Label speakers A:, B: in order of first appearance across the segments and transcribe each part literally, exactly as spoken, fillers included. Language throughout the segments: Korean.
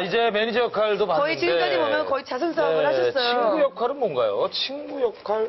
A: 이제 매니저 역할도 봤는데.
B: 거의 지금까지 보면 거의 자선 사업을
A: 네,
B: 하셨어요.
A: 친구 역할은 뭔가요? 친구 역할.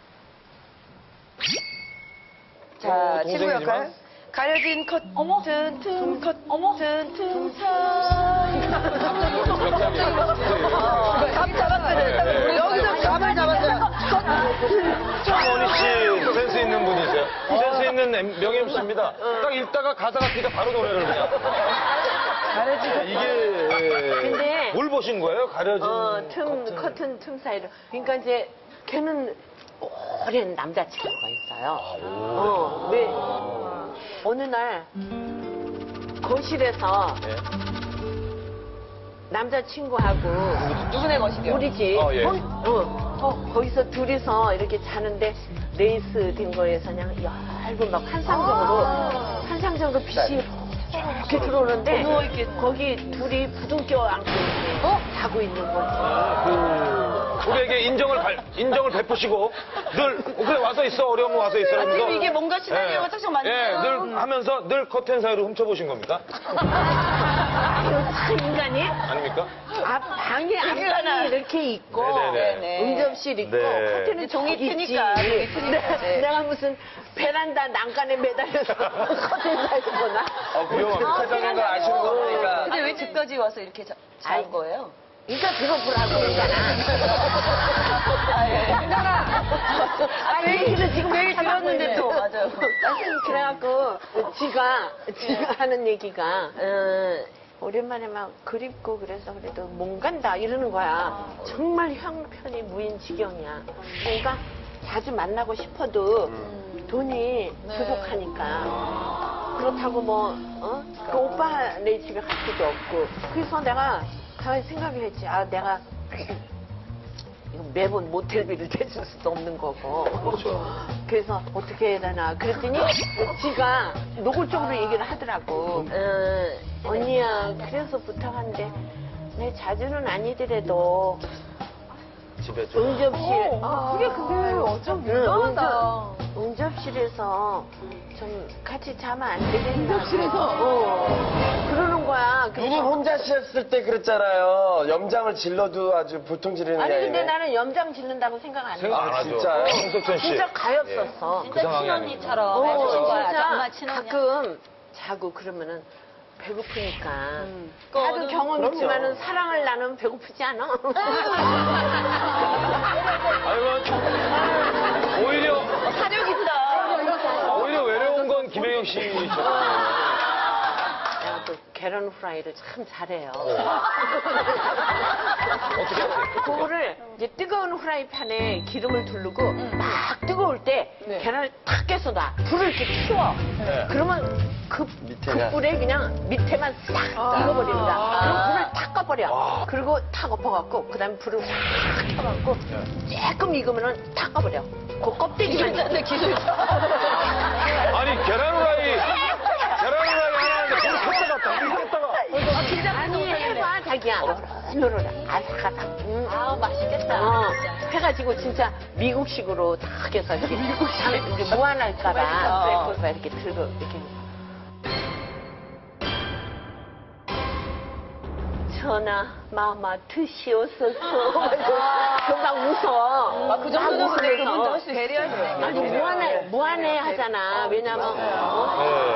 B: 자,
A: 어,
B: 친구
A: 동생이지만.
B: 역할. 가려진 커튼,
C: 어머.
B: 튼, 커튼,
C: 어머.
B: 튼, 사이.
A: 갑자기.
B: 감 잡았거든. 여기서 감을 잡았어요.
A: 장원희 씨 센스 있는 분이세요. 센스 있는 명예 엠씨입니다. 딱 읽다가 가사가 뜨니까 바로 노래를 그냥.
B: 가려진
A: 이게
D: 근데
A: 뭘 보신 거예요? 가려진
D: 어, 틈,
A: 커튼.
D: 커튼 틈 사이로. 그러니까 이제 걔는 오랜 남자친구가 있어요. 어, 왜 어느 날 거실에서
A: 예.
D: 남자친구하고
C: 누구네 거실이요?
D: 우리 집
A: 어, 예.
D: 거, 어, 어, 거기서 둘이서 이렇게 자는데 레이스 된 거에서 그냥 얇은 막 환상적으로 환상적으로 빛이 이렇게 들어오는데 거기 둘이 부둥 껴 안고 이렇게 자고 있는 거지.
A: 우리에게 인정을 발- 인정을 베푸시고 늘 그래 와서 있어 어려우면 와서 있어
B: 지금
A: 하면서
B: 이게 뭔가 시나리오가 딱딱 맞는
A: 예, 늘 하면서 늘 커튼 사이로 훔쳐보신 겁니까?
D: 아, 인간이
A: 아닙니까?
D: 앞 방에 앞방이 이렇게 있고
A: 네네네.
D: 응접실 있고
A: 네.
D: 커튼은
B: 종이
D: 저기
B: 트니까,
D: 있지.
B: 종이 트니까.
D: 내-
B: 네.
D: 내가 무슨 베란다 난간에 매달려서 커튼 사이에서 보나?
A: 아, 위험합니다.
E: 세상인 걸 아시는 거 보니까.
B: 근데 왜 집까지 와서 이렇게 자,
D: 아이,
B: 잔 거예요?
D: 그러니까 그거 보라고 그러잖아.
B: 아, 왜 얘기를 지금 왜 얘기 들었는데 또. 맞아요.
D: 그래갖고 지가 지가 하는 얘기가 어, 오랜만에 막 그립고 그래서 그래도 못 간다 이러는 거야. 정말 형편이 무인지경이야. 그러니까 자주 만나고 싶어도 돈이 부족하니까 그렇다고 뭐 어? 그 오빠네 집에 갈 수도 없고 그래서 내가 가만히 생각을 했지. 아 내가 이거 매번 모텔비를 대줄 수도 없는 거고. 그래서 어떻게 해야 되나. 그랬더니 지가 노골적으로 얘기를 하더라고. 어, 언니야, 그래서 부탁한데 내 자주는 아니더라도
A: 집에 좀.
D: 응접실.
C: 그게 근데 어쩜
D: 응,
C: 민망하다.
D: 응접, 응접실에서 좀 같이 자면 안 되겠나. 응접실에서? 어. 그러는 거야. 그래서
E: 누군 혼자 쉬었을 때 그랬잖아요. 염장을 질러도 아주 보통 지르는 게
D: 아니 근데
E: 아니네.
D: 나는 염장 짓는다고 생각 안 해.
A: 생각 안
E: 아,
A: 하죠.
E: 진짜요?
A: 홍석천 씨.
D: 진짜 가엾었어.
A: 그 상황이 아니고.
D: 어,
B: 거야.
D: 진짜
B: 정말 친언니야.
D: 가끔 자고 그러면은 배고프니까
B: 음.
D: 나도 경험 있지만은 사랑을 나누면 배고프지 않아?
A: 아이고, 오히려,
B: 사력 있다.
A: 오히려 외로운 건 김혜영 씨죠.
D: 내가 또 계란 후라이를 참 잘해요.
A: 어떻게 하세요?
D: 그거를 이제 뜨거운 후라이팬에 기름을 두르고 막 뜨거울 때 계란을 탁 깨서 놔. 불을 이렇게 키워.
A: 네.
D: 그러면 그, 그
E: 밑에가?
D: 불에 그냥 밑에만 싹 익어버린다. 그럼 불을 탁 꺼버려. 그리고 탁 엎어갖고 그다음에 불을 확 켜갖고 조금 익으면은 탁 꺼버려. 그 껍데기만.
B: 기술자인데 기술자.
A: 아니, 계란 후라이, 계란 후라이 하나 하는데 불 켰다가 딱 켰다가.
D: 아니 해봐 자기야. 노릇노릇 아삭아삭. 음.
B: 아, 맛있겠다.
D: 어, 해가지고 진짜 미국식으로 탁 해서 이렇게 장- 이제 무한할까봐
B: 맛있어.
D: 그래서 이렇게 들고 이렇게 전하 마마 드시옵소서. 금방 웃어.
B: 아, 그 정도는 근데
D: 웃으면서.
B: 그분도 할 수 있어요. 배려하죠.
D: 아니 무한해 무한해 하잖아. 왜냐면 어?
A: 네.